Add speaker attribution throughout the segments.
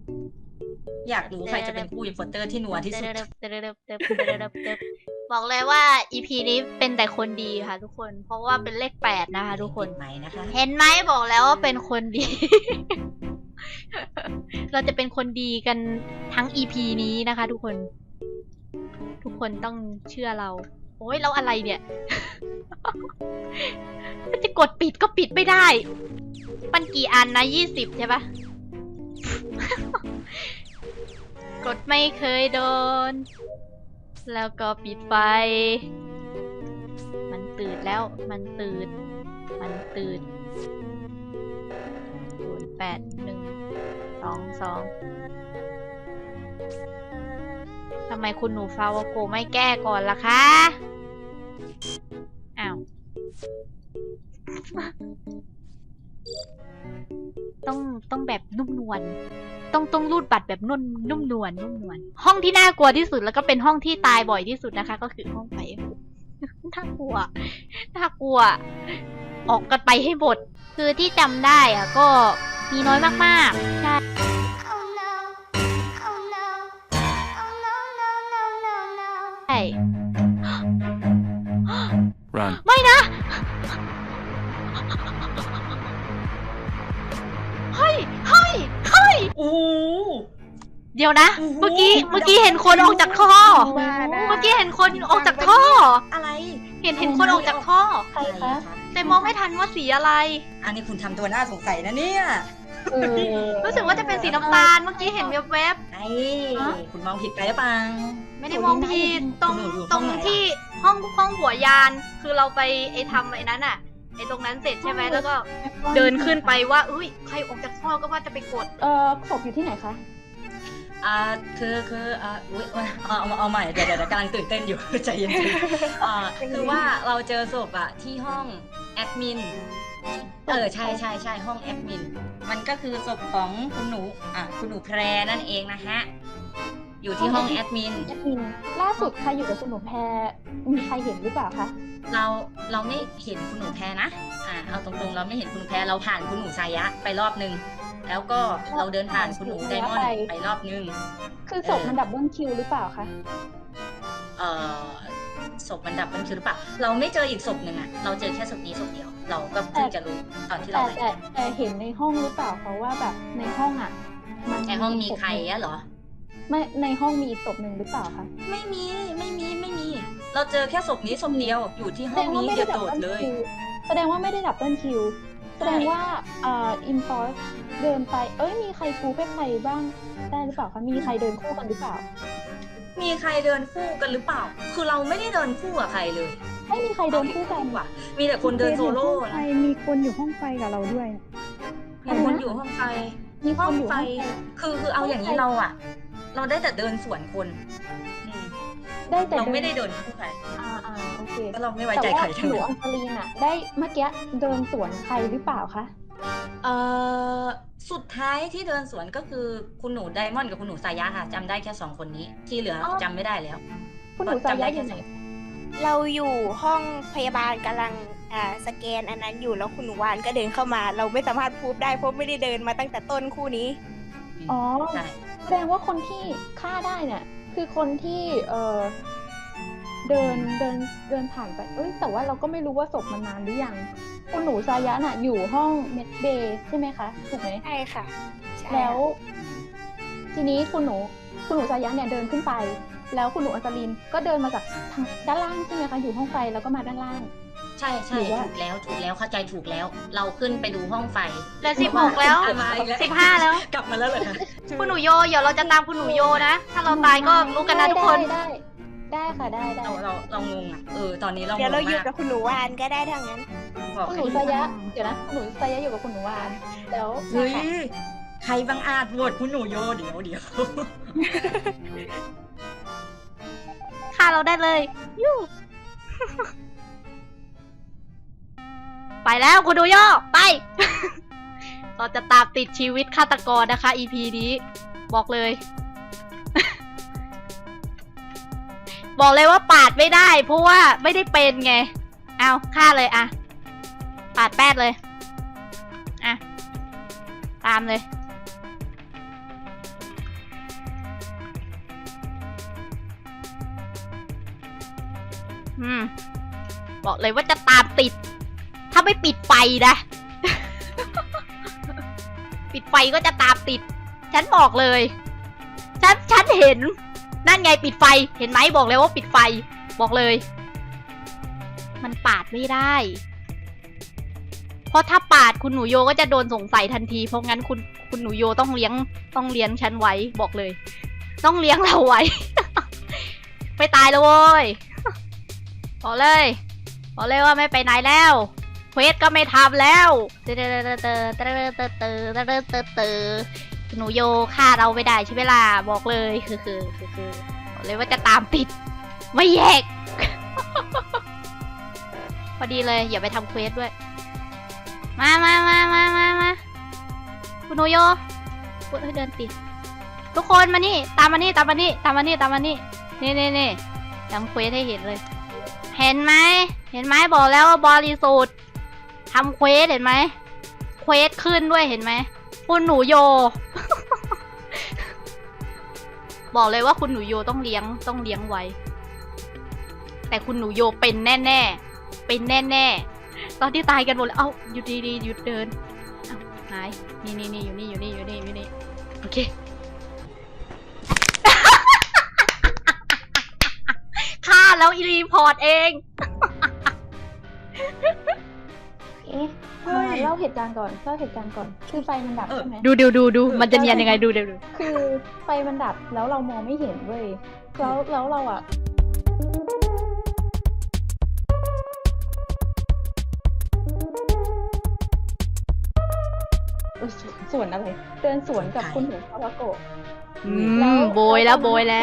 Speaker 1: อยากรู้ใครจะเป็นผู้อินโฟเตอร์ที่นัวที่สุด
Speaker 2: บอกเลยว่า EP นี้เป็นแต่คนดีค่ะทุกคน เพราะว่าเป็นเลข8นะคะทุกคน
Speaker 1: ไหมนะคะ
Speaker 2: เห็นไหมบอกแล้วว่าเป็นคนดี เราจะเป็นคนดีกันทั้ง EP นี้นะคะทุกคน ทุกคนต้องเชื่อเรา โอ้ยแล้วอะไรเนี่ย จะกดปิดก็ปิดไม่ได้ มันกี่อันนะ20ใช่ปะ กดไม่เคยโดน แล้วก็ปิดไฟ มันตื่นแล้ว มันตื่น 081222ทำไมคุณหนูฟาวโกไม่แก้ก่อนล่ะคะ อ้าว ต้องแบบนุ่มนวล ต้องรูดบัตรแบบนุ่มนวล ห้องที่น่ากลัวที่สุดแล้วก็เป็นห้องที่ตายบ่อยที่สุดนะคะ ก็คือห้องไฟ น่ากลัว ออกกันไปให้หมด คือที่จำได้อะก็มีน้อยมากๆ ใช่ ใช่
Speaker 3: Run.
Speaker 2: ไม่นะ เฮ้ย
Speaker 1: โอ้โห
Speaker 2: เดี๋ยวนะ
Speaker 1: โอ้โห
Speaker 2: เมื่อกี้เห็นคนออกจากท่อ เมื่อกี้เห็นคนออกจากท่อ
Speaker 1: อะไร
Speaker 2: เห็นคนออกจากท่อ
Speaker 1: ใครคะ
Speaker 2: แต่มองไม่ทันว่าสีอะไร
Speaker 1: อันนี้คุณทำตัวน่าสงสัยนะเนี่ย
Speaker 2: รู้สึกว่าจะเป็นสีน้ำตาล เมื่อกี้เห็นแวบ
Speaker 1: ไอ้คุณมองผิดไปหรือเปล่า
Speaker 2: ๆ ไม่ได้มองผิดตรง
Speaker 1: อยู่
Speaker 2: ตรง
Speaker 1: ห้องไหนอะ
Speaker 2: ที่ห้องหัวยาน คือเราไปทำไอ้นั้นอะไอ้ตรงนั้นเสร็จใช่ไหมแล้วก็เดินขึ้นไปว่าอุ้ยใครออกจากท่อก็ว่าจะไปกด
Speaker 4: ศพอยู่ที่ไหนคะ
Speaker 1: คืออุ๊ยเอาใหม่เดี๋ยวกำลังตื่นเต้นอยู่ ใจเย็นๆคือว่าเราเจอศพอะที่ห้องแอดมินใช่ห้องแอดมินมันก็คือศพของคุณหนูแพรนั่นเองนะฮะอยู่ที่ห้องแอดมิน
Speaker 4: แอดมินล่าสุดใครอยู่กับคุณหนูแพรมีใครเห็นหรือเปล่าคะ
Speaker 1: เราไม่เห็นคุณหนูแพรนะเอาตรงๆเราไม่เห็นคุณหนูแพรเราผ่านคุณหนูสายะไปรอบนึงแล้วก็เราเดินผ่านคุณหนูไดมอนด์ไปรอบนึง
Speaker 4: คือศพมันดับเบิลคิวหรือเปล่าคะ
Speaker 1: ศพมันดับมันคือหรือเปล่าเราไม่เจออีกศพหนึ่งอะเราเจอแค่ศพนี้ศพเดียวเราก็เพิ่งจะรู้ตอนที่เราไป
Speaker 4: แต่เห็นในห้องหรือเปล่าเพราะว่าแบบในห้องอ่ะ
Speaker 1: ในห้องมีใครอะเหรอ
Speaker 4: ไม่ในห้องมีอีกศพหนึ่งหรือเปล่าคะ
Speaker 1: ไม่มี เราเจอแค่ศพนี้ศพเดียวอยู่ที่ห้องนี้เดียวโดดเลย
Speaker 4: แสดงว่าไม่ได้ดับเบิลคิวแสดงว่าอินฟอร์สเดินไปมีใครกูให้ใครบ้างได้หรือเปล่าคะมีใครเดินคู่กันหรือเปล่า
Speaker 1: มีใครเดินคู่กันหรือเปล่า คือเราไม่ได้เดินคู่กับใครเลย
Speaker 4: ไม่มีใครเดินคู่กัน
Speaker 1: ว่ะมีแต่คนเดินโซโล่นะ
Speaker 5: มีคนอยู่ห้องไฟกับเราด้วย
Speaker 1: มีคนอยู่ห้องไฟ
Speaker 4: มีค
Speaker 1: ห้อน ง
Speaker 4: อยู่
Speaker 1: ไฟ
Speaker 4: ห้องไฟ
Speaker 1: คือเอาอย่างนี้เราได้แต่เดินสวนคน
Speaker 4: ได้แต่
Speaker 1: เราไม่ได้เดินคู่ใคร
Speaker 4: โอเค
Speaker 1: ก็เราไม่ไว้ใจใคร
Speaker 4: แต่
Speaker 1: ทั้ง
Speaker 4: ว่าหนู
Speaker 1: นั้น
Speaker 4: อังคารีนอะได้เมื่อกี้เดินสวนใครหรือเปล่าคะ
Speaker 1: สุดท้ายที่เดินสวนก็คือคุณหนูไดมอนด์กับคุณหนูสายะค่ะจำได้แค่2คนนี้ที่เหลือจำไม่ได้แล้ว
Speaker 4: คุณหนูสายะอยู่ไหน
Speaker 6: เราอยู่ห้องพยาบาลกำลังสแกนอันนั้นอยู่แล้วคุณหนูวานก็เดินเข้ามา เราไม่สามารถพูดได้เพราะไม่ได้เดินมาตั้งแต่ต้นคู่นี้
Speaker 4: อ๋อ
Speaker 1: ใช่
Speaker 4: แสดงว่าคนที่ฆ่าได้เนี่ยคือคนที่เดินผ่านไปแต่ว่าเราก็ไม่รู้ว่าศพมันนานหรือยังคุณหนูสายะน่ะอยู่ห้องเมดเบย์ใช่ไหมคะถูกไหม
Speaker 6: ใช่ค่ะใช่
Speaker 4: แล้ว ทีนี้คุณหนูสายะเนี่ยเดินขึ้นไป แล้วคุณหนูอัศรินก็เดินมาจากทางด้านล่างใช่ไหมคะอยู่ห้องไฟแล้วก็มาด้านล่าง
Speaker 1: ใช่
Speaker 4: หรือว่า
Speaker 1: ถูกแล้วเข้าใจถูกแล้ว เราขึ้นไปดูห้องไฟ
Speaker 2: เหลือ16แล้ว
Speaker 1: มาอีกแล้ว
Speaker 2: 15แล้ว
Speaker 1: กลับมาแล้วเหรอคะ
Speaker 2: คุณหนูโยเดี๋ยวเราจะตามคุณหนูโยนะ ถ้าเราตายก็รู้กันนะทุกคน
Speaker 4: ได้ค่ะได้
Speaker 1: เรางงอ่ะตอนนี้เรางง
Speaker 6: เดี๋ยวเราอยู่
Speaker 1: มาก
Speaker 6: กับคุณหนูวานก็ได้ทั้งนั้น
Speaker 1: บอก
Speaker 4: คุณหนูสายะเดี๋ยวนะคุณหนูสายะอยู่กับคุณหนูวานแล้ว
Speaker 1: เฮ้ยใครบังอาจโหวตคุณหนูโยเดี๋ยว
Speaker 2: ฆ่าเราได้เลยยู ไปแล้วคุณดูโยไป เราจะตามติดชีวิตฆาตกรนะคะ EP นี้ บอกเลย บอกเลยว่าปาดไม่ได้ เพราะว่าไม่ได้เป็นไง เอาฆ่าเลยอะปาดแป๊ดเลยอะตามเลยบอกเลยว่าจะตามติด ถ้าไม่ปิดไฟนะ ปิดไฟก็จะตามติด ฉันบอกเลย ฉันเห็น นั่นไงปิดไฟ เห็นไหมบอกเลยว่าปิดไฟ บอกเลย มันปาดไม่ได้ เพราะถ้าปาดคุณหนูโยก็จะโดนสงสัยทันที เพราะงั้นคุณหนูโยต้องเลี้ยงฉันไว้ บอกเลย ต้องเลี้ยงเราไว้ ไม่ตายแล้วโว้ย บอกเลยว่าไม่ไปไหนแล้วเควสก็ไม่ทำแล้วหนูโยฆ่าเราไม่ได้ใช่ไหมล่ะบอกเลยคือบอกเลยว่าจะตามติดไม่แยก พอดีเลยอย่าไปทำเควสด้วยมาคุณหนูโยเดินติดทุกคนมานี่ตามมานี่นี่ทำเควสให้เห็นเลยเห็นไหมบอกแล้วว่าบริสุทธิ์ทำเควสเห็นไหมเควสขึ้นด้วยเห็นไหมคุณหนูโย บอกเลยว่าคุณหนูโยต้องเลี้ยงไว้แต่คุณหนูโยเป็นแน่ตอนที่ตายกันหมดแล้วเอ้าหยุดดีหยุดเดินเอ้าหายนี่อยู่นี่โอเค ฆ่าแล้วรีพอร์ตเอง
Speaker 4: เล่าเหตุการณ์ก่อนคือไฟมันดับใช่ไหม
Speaker 2: ดูมันจะเนียนยังไงดู
Speaker 4: คือไฟมันดับแล้วเรามองไม่เห็นเว้ยแล้วเราอะสวนอะไรเดินสวนกับคุณหนูคาวาโกะ
Speaker 2: โบยแล้ว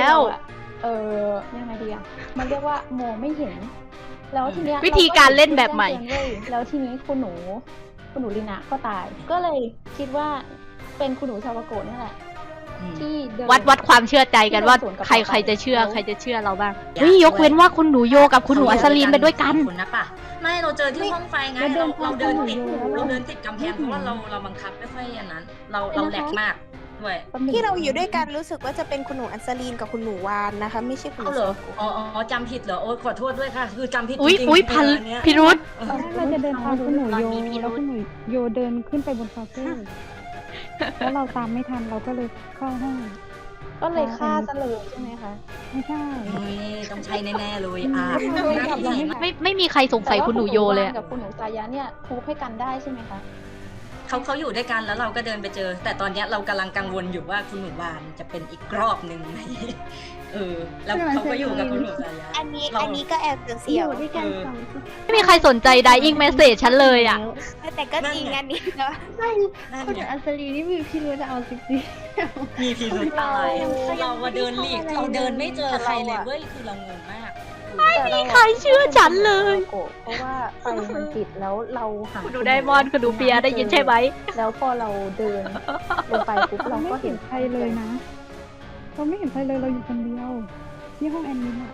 Speaker 4: ยังไงดีอะมันเรียกว่ามองไม่เห็นแล้วทีเนี้ย
Speaker 2: วิธีการเล่นแบบใหม่
Speaker 4: แล้วทีนี้คุณหนูลินะก็ตายก็เลยคิดว่าเป็นคุณหนูชาวาโกะนี่แหละที่เดิน
Speaker 2: วัดความเชื่อใจกันว่าใครจะเชื่อเราบ้างเฮ้ยยกเว้นว่าคุณหนูโยกับคุณหนูอัศรีนไปด้วยกัน
Speaker 1: คุณนะป่ะไม่เราเจอที่ห้องไฟไงเราเดินติดกำแพงเพราะว่าเราบังคับไม่ค่อยอย่างนั้นเราแหลกมากด้วย
Speaker 6: ที่เราอยู่ด้วยกันรู้สึกว่าจะเป็นคุณหนูอัศรีนกับคุณหนูวานนะคะไม่ใช่คุณหนู
Speaker 1: เหรออ๋อจำผิดเหรอโอ้ขอโทษด้วยค่ะคือจำผิดจริง
Speaker 2: อุ้ยพิรุธ
Speaker 5: ตอนแรกเราจะเดินตามคุณหนูโยแล้วคุณหนูโยเดินขึ้นไปบนคาเฟ่แล้วเราตามไม่ทันเราก็เลยเข้าห้อง
Speaker 4: ก็เลยฆ่าซะเลยใช่ไหมคะ
Speaker 5: ไม่ใช่
Speaker 1: ต้องใช้แน่ๆเลย
Speaker 2: ไม่มีใครสงสัยคุณหนูโยเลย
Speaker 4: กับคุณหนูสายะเนี่ยทุบให้กันได้ใช่ไหมคะ
Speaker 1: เขาอยู่ด้วยกันแล้วเราก็เดินไปเจอแต่ตอนนี้เรากำลังกังวลอยู่ว่าคุณหนูวานจะเป็นอีกรอบหนึ่งไหมแล้วเขาก็อยู่กับคุณหนูสายะ
Speaker 6: อันนี้ก็แอบเสียวด้วยกัน
Speaker 2: ไม่มีใครสนใจ dying message ฉันเลยอ่ะ
Speaker 6: แต่ก็จริงอันนี้เนาะ
Speaker 5: คุณอัศรีนี่มีพี่รู้จะเอาจริง
Speaker 1: มีพิรุธอะไรเรามาเดินหลีกเราเดินไม่เจอใครเลยเว้ยคือเรางงมาก
Speaker 2: ไม่มีใครเชื่อฉันเลย
Speaker 4: เพราะว่าไฟมันติดแล้วเราหา
Speaker 2: คุณดูไดมอนด์คุณดูเปียได้ยินใช่ไหม
Speaker 4: แล้วพอเราเดินลงไปปุ๊บเราก็เห็น
Speaker 5: ใครเลยนะเราไม่เห็นใครเลยเราอยู่คนเดียวที่ห้องแอดมินอะ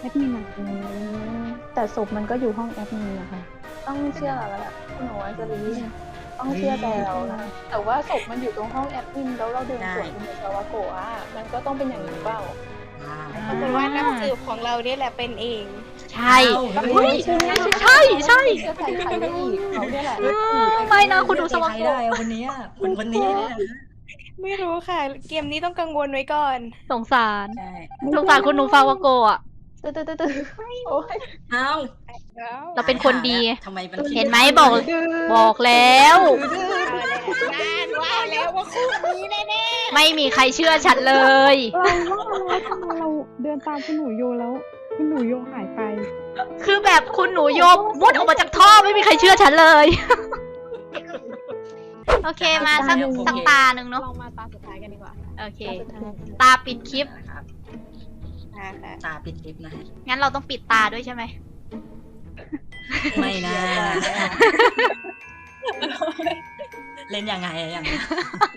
Speaker 4: แต่ศพมันก็อยู่ห้องแอดมินนะคะต้องเชื่อเราแล้วคุณหนูอัศรีต้องเชื่อใจเรานะแต่ว่าศพมันอยู่ตรงห้องแอดมินแล้วเราเดินสวนคุณหนูคาวาโกะมันก็ต้องเป็นอย่างนั้นเปล่า
Speaker 6: เพราะว่านักสืบของเราเนี่ยแหละเป็นเอง
Speaker 2: ใช่ใช่
Speaker 4: จะใส่ใครได้อีกเขาเนี่ยแหละ
Speaker 2: ไม่นะคุณดูสวัสดิ์
Speaker 1: ได้วันนี้
Speaker 6: ไม่รู้ค่ะเกมนี้ต้องกังวลไว้ก่อน
Speaker 2: สงสารคุณหนูฟาวาโกะเราเป็นคนดีเห็นไหมบอกแล้ว
Speaker 6: ว่าแล้วว่าคู่นี้แน่
Speaker 2: ๆไม่มีใครเชื่อฉันเลย
Speaker 5: เราเดินตามคุณหนูโยแล้วคุณหนูโยหายไป
Speaker 2: คือแบบคุณหนูโยมุดออกมาจากท่อไม่มีใครเชื่อฉันเลยโอเคมาสักตาหนึ่งเนาะ
Speaker 4: ลองมาตาสุดท้ายกันดีกว่า
Speaker 2: โอเคตาปิดคลิป
Speaker 1: ตาปิดคลิปนะ
Speaker 2: งั้นเราต้องปิดตาด้วยใช่ไหม
Speaker 1: ไม่นะเล่นยังไงอย่างนี้